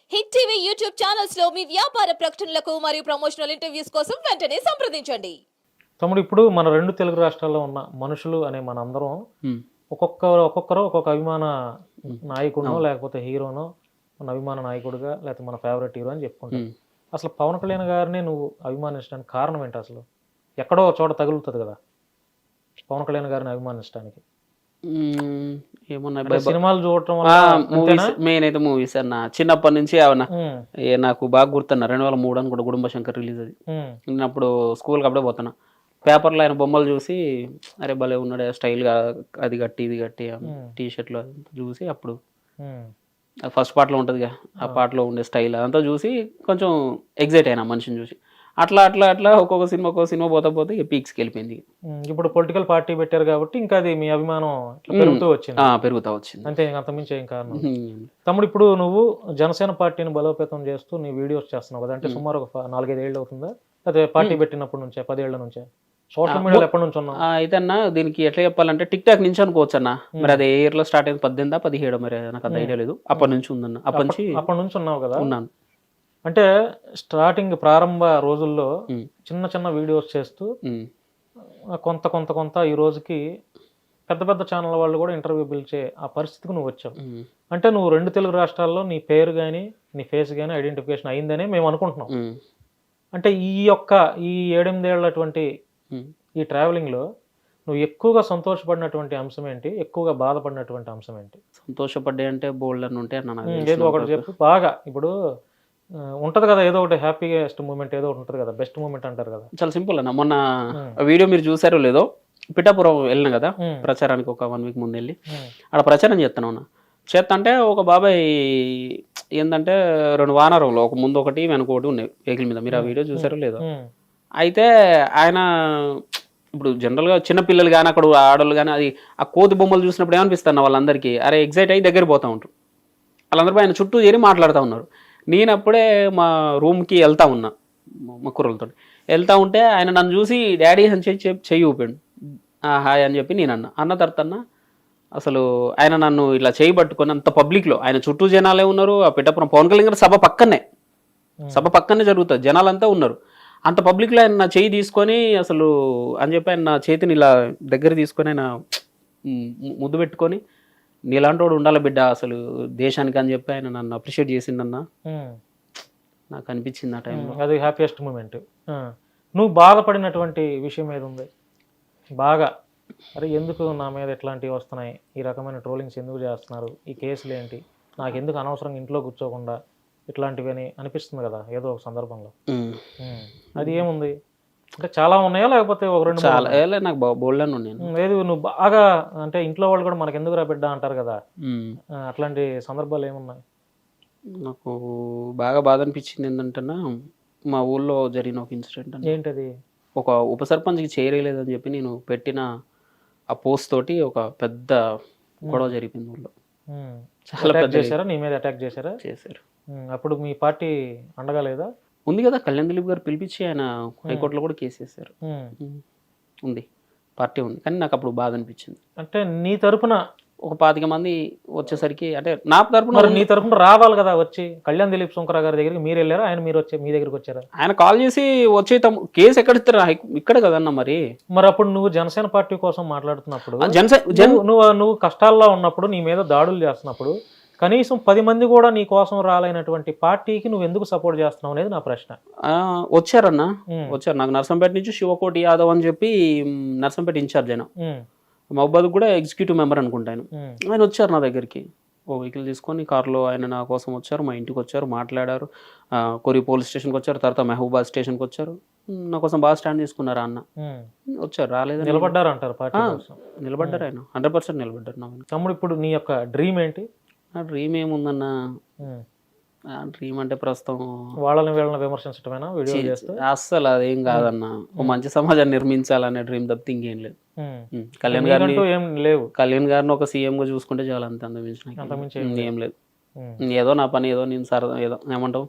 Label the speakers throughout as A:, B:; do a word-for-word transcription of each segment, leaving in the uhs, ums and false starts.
A: Hit TV YouTube channels లో మీ వ్యాపార ప్రకటనలకు మరియు ప్రమోషనల్ ఇంటర్వ్యూస్ కోసం వెంటనే సంప్రదించండి.
B: తమ్ముడు ఇప్పుడు మన రెండు తెలుగు రాష్ట్రాల్లో ఉన్న మనుషులు అనే మన అందరం
C: హ్మ్.
B: ఒక్కొక్క ఒక్కొక్కరు ఒక్కొక్క అభిమాన నాయకుడినో
C: అవును.
B: లేకపోతే హీరోనో మన అభిమాన నాయకుడిగా లేకపోతే మన ఫేవరెట్ హీరో అని చెప్పుకుంటాం.
C: హ్మ్.
B: అసలు పవన్ కళ్యాణ్ గారిని నువ్వు అభిమానించడానికి కారణం ఏంటి? అసలు ఎక్కడో ఒక చోట తగులుతుంది కదా పవన్ కళ్యాణ్ గారిని అభిమానించడానికి.
C: హ్మ్. ఏమన్నా
B: అంటే సినిమాలు చూడటం వల్ల అంతేనా?
C: మూవీస్ మెయిన్ అయితే మూవీస్ అన్న చిన్నప్పటి నుంచి అవన్న
B: ఉమ్,
C: ఏ నాకు బాగా గుర్తున్నా రెండు వేల మూడు అని కూడా గుడుంబ శంకర్ రిలీజ్ అది.
B: ఉమ్,
C: నేను అప్పుడు స్కూల్కి అప్పుడే పోతున్నా. పేపర్లో ఆయన బొమ్మలు చూసి అరే భలే ఉన్నాడు స్టైల్గా అది కట్టి ఇది కట్టి టీ షర్ట్లో చూసి అప్పుడు
B: ఉమ్,
C: ఫస్ట్ పార్ట్లో ఉంటుందిగా ఆ పాటలో ఉండే స్టైల్ అదంతా చూసి కొంచెం ఎగ్జైట్ అయినా మనిషిని చూసి అట్లా అట్లా అట్లా ఒక్కొక్క సినిమా ఒక్కొక్క సినిమా పోతా పోతే ఇక పీక్స్కి వెళ్ళిపోయింది.
B: ఉమ్. ఇప్పుడు పొలిటికల్ పార్టీ పెట్టారు కాబట్టి ఇంకా అది మీ అభిమానం ఇట్లా పెరుగుతూ వచ్చింది.
C: ఆ, పెరుగుతా వచ్చింది.
B: అంతే, ఇంక అంతమించి ఏం కారణం.
C: హ్మ్.
B: తమ్ముడు ఇప్పుడు నువ్వు జనసేన పార్టీని బలోపేతం చేస్తూ నీ వీడియోస్ చేస్తున్నావు కదా, అంటే సుమారు ఒక ఫ- నాలుగైదు ఏళ్ళు అవుతుందా? అదే పార్టీ పెట్టినప్పటి నుంచే, పదేళ్ల నుంచే సోషల్ మీడియాలో ఎప్పటి నుంచి ఉన్నావు?
C: ఆ, అయితే అన్న దీనికి ఎట్లా చెప్పాలంటే టిక్ టాక్ నుంచి అనుకోవచ్చు అన్న. మరి అది ఏ ఇయర్ లో స్టార్ట్ అయింది, పద్దెనిమిదా పదిహేడు మరి నాకు అంత ఐడియా లేదు. అప్పటి నుంచి ఉందన్న, అప్పటి నుంచి
B: అప్పటి నుంచి ఉన్నావు కదా.
C: ఉన్నాను.
B: అంటే స్టార్టింగ్ ప్రారంభ రోజుల్లో
C: ఉమ్,
B: చిన్న చిన్న వీడియోస్ చేస్తూ
C: ఉమ్,
B: ఆ, కొంత కొంత కొంత ఈ రోజుకి పెద్ద పెద్ద ఛానల్ వాళ్ళు కూడా ఇంటర్వ్యూ పిలిచే ఆ పరిస్థితికి నువ్వు వచ్చావు.
C: ఉమ్,
B: అంటే నువ్వు రెండు తెలుగు రాష్ట్రాల్లో నీ పేరు కానీ నీ ఫేస్ కానీ ఐడెంటిఫికేషన్ అయిందనే మేము అనుకుంటున్నాం.
C: ఉమ్,
B: అంటే ఈ యొక్క ఈ ఏడెనిమిదేళ్లటువంటి
C: ఉమ్.
B: ఈ ట్రావెలింగ్లో నువ్వు ఎక్కువగా సంతోషపడినటువంటి అంశం ఏంటి, ఎక్కువగా బాధపడినటువంటి అంశం ఏంటి?
C: సంతోషపడ్డా అంటే బోల్డ్ అని ఉంటే అన్న నాకు
B: ఉమ్,
C: తెలిసిన
B: ఏదో ఒకటి
C: వరకు.
B: చెప్పు బాగా. ఇప్పుడు ఆ, ఉంటది కదా ఏదో ఒకటి హ్యాపీయెస్ట్ మూమెంట్, ఏదో ఒకటి ఉంటుంది కదా, బెస్ట్ మూమెంట్ అంటారు కదా.
C: చాలా సింపుల్ అన్న. మొన్న
B: ఉమ్,
C: వీడియో మీరు చూసారో లేదో, పిఠాపురం వెళ్ళిన కదా
B: ఉమ్,
C: ప్రచారానికి ఒక వన్ వీక్ ముందు వెళ్ళి
B: ఉమ్,
C: ఆడ ప్రచారం చేస్తాను అన్న. చేస్తా అంటే ఒక బాబాయ్ ఏంటంటే రెండు వానరంలో ఒక ముందు ఒకటి వెనక ఒకటి ఉన్నాయి వెహికల్ మీద. మీరు ఆ వీడియో చూసారో లేదో.
B: ఉమ్,
C: అయితే ఆయన ఇప్పుడు జనరల్గా చిన్నపిల్లలు కానీ అక్కడ ఆడవాళ్ళు కానీ అది ఆ కోతి బొమ్మలు చూసినప్పుడు ఏమనిపిస్తున్నా వాళ్ళందరికీ అరే ఎగ్జైట్ అయ్యి దగ్గర పోతూ ఉంటారు. వాళ్ళందరూ ఆయన చుట్టూ చేరి మాట్లాడుతూ ఉన్నారు. నేను అప్పుడే మా రూమ్కి వెళ్తా ఉన్నా మా కుర్రలతో వెళ్తా ఉంటే ఆయన నన్ను చూసి డాడీ అని చెప్పి చెప్పి చెయ్యి ఊపాడు. "ఆ, హాయ్" అని చెప్పి నేను అన్న అన్న తర్వాత అన్న అసలు ఆయన నన్ను ఇట్లా చేయి పట్టుకొని అంత పబ్లిక్లో ఆయన చుట్టూ జనాలే ఉన్నారు. ఆ పిఠాపురం పవన్ కళ్యాణ్ గారి సభ పక్కనే సభ పక్కనే జరుగుతుంది, జనాలంతా ఉన్నారు. అంత పబ్లిక్లో ఆయన నా చేయి తీసుకొని అసలు అని చెప్పి ఆయన నా చేతిని ఇలా దగ్గర తీసుకొని ఆయన ము- ముద్దు పెట్టుకొని నీలాంటి వాడు ఉండాలి బిడ్డ అసలు దేశానికి అని చెప్పి ఆయన నన్ను అప్రిషియేట్ చేసిండన్న.
B: ఉమ్.
C: నాకు అనిపించింది ఆ టైంలో.
B: అది హ్యాపీయెస్ట్ మూమెంట్. నువ్వు బాధపడినటువంటి విషయం ఏది ఉంది బాగా? అరే ఎందుకు నా మీద ఇట్లాంటివి వస్తున్నాయి, ఈ రకమైన ట్రోలింగ్స్ ఎందుకు చేస్తున్నారు, ఈ కేసులు ఏంటి, నాకు ఎందుకు అనవసరంగా ఇంట్లో కూర్చోకుండా ఇట్లాంటివి అని అనిపిస్తుంది కదా ఏదో ఒక సందర్భంలో.
C: ఉమ్.
B: ఉమ్. అది ఏముంది అంటే చాలా ఉన్నాయా లేకపోతే ఒక రెండు మూడు
C: చాలా
B: ఉన్నాయా?
C: ఏలే నాకు బోల్డ్ అని నేను.
B: ఉమ్, ఏది నువ్వు బాగా అంటే ఇంట్లో వాళ్ళు కూడా మనకు ఎందుకు రా బిడ్డ అంటారు కదా,
C: ఉమ్.
B: ఆ, అట్లాంటి సందర్భాలు ఏమున్నాయి?
C: నాకు బాగా బాధ అనిపించింది ఏంటంటే మా ఊళ్ళో జరిగిన ఒక ఇన్సిడెంట్ అని.
B: ఏంటది?
C: ఒక ఉప సర్పంచ్కి చేయలేదని చెప్పి నేను పెట్టిన ఆ పోస్ట్ తోటి ఒక పెద్ద గొడవ జరిగింది ఊళ్ళో.
B: ఉమ్.
C: చాలా
B: అటాక్
C: పెద్ద
B: చేశారా నీ మీద, అటాక్ చేశారా?
C: చేశారు.
B: ఉమ్, అప్పుడు మీ పార్టీ అండగా లేదా?
C: ఉంది కదా కళ్యాణ్ దిలీప్ గారు పిలిపించి ఆయన హైకోర్టులో కూడా కేసు వేశారు.
B: ఉమ్.
C: ఉమ్. ఉంది, పార్టీ ఉంది. కానీ నాకు అప్పుడు బాధ అనిపించింది.
B: అంటే నీ తరపున
C: ఒక పాతిక మంది వచ్చేసరికి అంటే నా తరపున
B: మరి నీ తరపున రావాలి కదా వచ్చి. కళ్యాణ్ దిలీప్ శంకర గారి దగ్గరికి మీరు వెళ్ళారా, ఆయన మీరు వచ్చే మీ దగ్గరికి వచ్చారా?
C: ఆయన కాల్ చేసి వచ్చే తమ కేసు ఎక్కడ ఇస్తారు ఇక్కడ కదన్న. మరి
B: మరి అప్పుడు నువ్వు జనసేన పార్టీ కోసం మాట్లాడుతున్నప్పుడు,
C: ఆ జనసే జన్
B: నువ్వు నువ్వు నువ్వు కష్టాల్లో ఉన్నప్పుడు, నీ మీద దాడులు చేస్తున్నప్పుడు కనీసం పది మంది కూడా నీ కోసం రాలైనటువంటి పార్టీకి నువ్వు ఎందుకు సపోర్ట్ చేస్తున్నావు అనేది నా ప్రశ్న.
C: ఆ, వచ్చారన్న
B: ఉమ్,
C: వచ్చారు. నాకు నర్సంపేట నుంచి శివకోటి యాదవ్ అని చెప్పి మ్, నర్సంపేట ఇన్ఛార్జ్ ఆయన,
B: ఉమ్,
C: మహబాద్ కూడా ఎగ్జిక్యూటివ్ మెంబర్ అనుకుంటాను.
B: ఉమ్,
C: ఆయన వచ్చారు నా దగ్గరికి ఓ వెహికల్ తీసుకొని కార్లో. ఆయన నా కోసం వచ్చారు, మా ఇంటికి వచ్చారు, మాట్లాడారు. ఆ, కొరి పోలీస్ స్టేషన్కి వచ్చారు, తర్వాత మహబూబాద్ స్టేషన్కి వచ్చారు. మ్, నా కోసం బాగా స్టాండ్ తీసుకున్నారు అన్న.
B: ఉమ్.
C: వచ్చారు, రాలేదని
B: నిలబడ్డారు అంటారు పార్టీ
C: ఆ,
B: కోసం.
C: నిలబడ్డారు. ఆయన హండ్రెడ్ పర్సెంట్ నిలబడ్డారు. నా వెనక.
B: తమ్ముడు ఇప్పుడు నీ యొక్క డ్రీమ్ ఏంటి?
C: నా డ్రీమ్ ఏముందన్న,
B: ఉమ్.
C: ఆ డ్రీమ్ అంటే ప్రస్తుతం
B: వాళ్ళని వీళ్ళని విమర్శించడమేనా వీడియో చేస్తే?
C: అస్సలు అదేం కాదన్న. ఒక మంచి సమాజాన్ని నిర్మించాలనే డ్రీమ్ తప్పితే ఇంకేం లేదు.
B: ఉమ్.
C: ఉమ్, కళ్యాణ్ గారిని
B: నీకంటూ ఏం లేవు?
C: కళ్యాణ్ గారిని ఒక సీఎం గా చూసుకుంటే చాలా అంత అంతమించిన
B: అంతకుమించి
C: ఏం లేదు.
B: ఉమ్.
C: ఏదో నా పని ఏదో నేను సరదా ఏదో ఏమంటావు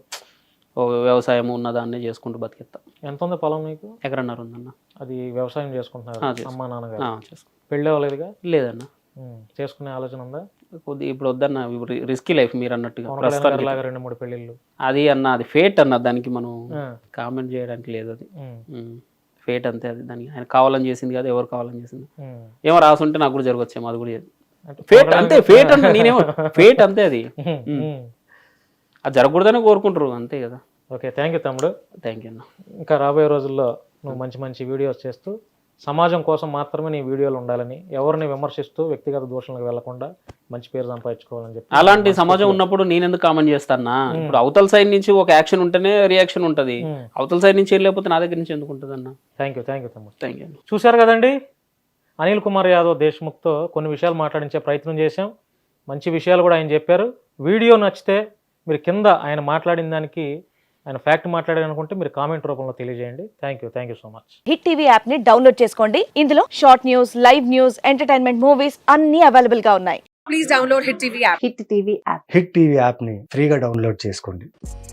C: ఓ వ్యవసాయం ఉన్న దాన్నే చేసుకుంటూ బతికేస్తా.
B: ఎంత ఉంది పొలం నీకు?
C: ఎకరన్నర ఉందన్న.
B: అది వ్యవసాయం చేసుకుంటున్నారు
C: ఆ, చేసుకుంటా.
B: అమ్మా నాన్నగారు?
C: ఆ, చేసుకో
B: పెళ్ళి అవ్వలేదుగా?
C: లేదన్న.
B: ఉమ్. చేసుకునే ఆలోచన ఉందా?
C: కొద్ది ఇప్పుడు వద్దన్న ఇప్పుడు రిస్కీ లైఫ్ మీరు అన్నట్టుగా
B: పవన్ కళ్యాణ్
C: ప్రస్తుతానికి
B: గారి లాగా రెండు మూడు పెళ్ళిళ్ళు.
C: అది అన్న అది ఫేట్ అన్న, దానికి మనం
B: ఆ,
C: కామెంట్ చేయడానికి లేదు. అది
B: ఉమ్,
C: ఫేట్ అంతే, అది దానికి ఆయన కావాలని చేసింది కాదు, ఎవరు కావాలని చేసింది
B: ఉమ్.
C: ఏమో రాసుంటే నాకు కూడా జరగచ్చేమో, అది కూడా
B: అంటే
C: ఫేట్
B: పవన్
C: అంతే,
B: కళ్యాణ్
C: ఫేట్ అన్న నేనేమో ఫేట్ అంతే, అది
B: ఉమ్, ఉమ్.
C: అది జరగకూడదని కోరుకుంటారు అంతే కదా.
B: ఓకే, థ్యాంక్ యూ తమ్ముడు.
C: థ్యాంక్ యూ అన్న.
B: ఇంకా రాబోయే రోజుల్లో నువ్వు మంచి మంచి వీడియోస్ చేస్తూ సమాజం కోసం మాత్రమే నీ వీడియోలు ఉండాలని, ఎవరిని విమర్శిస్తూ వ్యక్తిగత దూషణలకు వెళ్లకుండా మంచి పేరు సంపాదించుకోవాలని చెప్పి
C: అలాంటి సమాజం ఉన్నప్పుడు నేను ఎందుకు కామెంట్ చేస్తానా? ఇప్పుడు అవతల సైడ్ నుంచి ఒక యాక్షన్ ఉంటేనే రియాక్షన్ ఉంటది, అవతల సైడ్ నుంచి ఏం లేకపోతే నా దగ్గర నుంచి ఎందుకు ఉంటుంది అన్న.
B: థ్యాంక్ యూ థ్యాంక్ యూ తమ్ముడు.
C: Thank you.
B: చూశారు కదండి, అనిల్ కుమార్ యాదవ్ దేశ్ముఖ్తో కొన్ని విషయాలు మాట్లాడించే ప్రయత్నం చేశాం. మంచి విషయాలు కూడా ఆయన చెప్పారు. వీడియో నచ్చితే మీరు కింద ఆయన మాట్లాడిన దానికి, ఆయన ఫ్యాక్ట్ మాట్లాడారు అనుకుంటే మీరు కామెంట్ రూపంలో తెలియజేయండి. Thank you thank you so much.
D: Hit TV app ని డౌన్లోడ్ చేసుకోండి. ఇందులో short news, live news, entertainment movies అన్ని అవైలబుల్ గా ఉన్నాయి.
E: Please download Hit T V app.
D: Hit TV app
F: hit TV యాప్ని ఫ్రీగా డౌన్లోడ్ చేసుకోండి.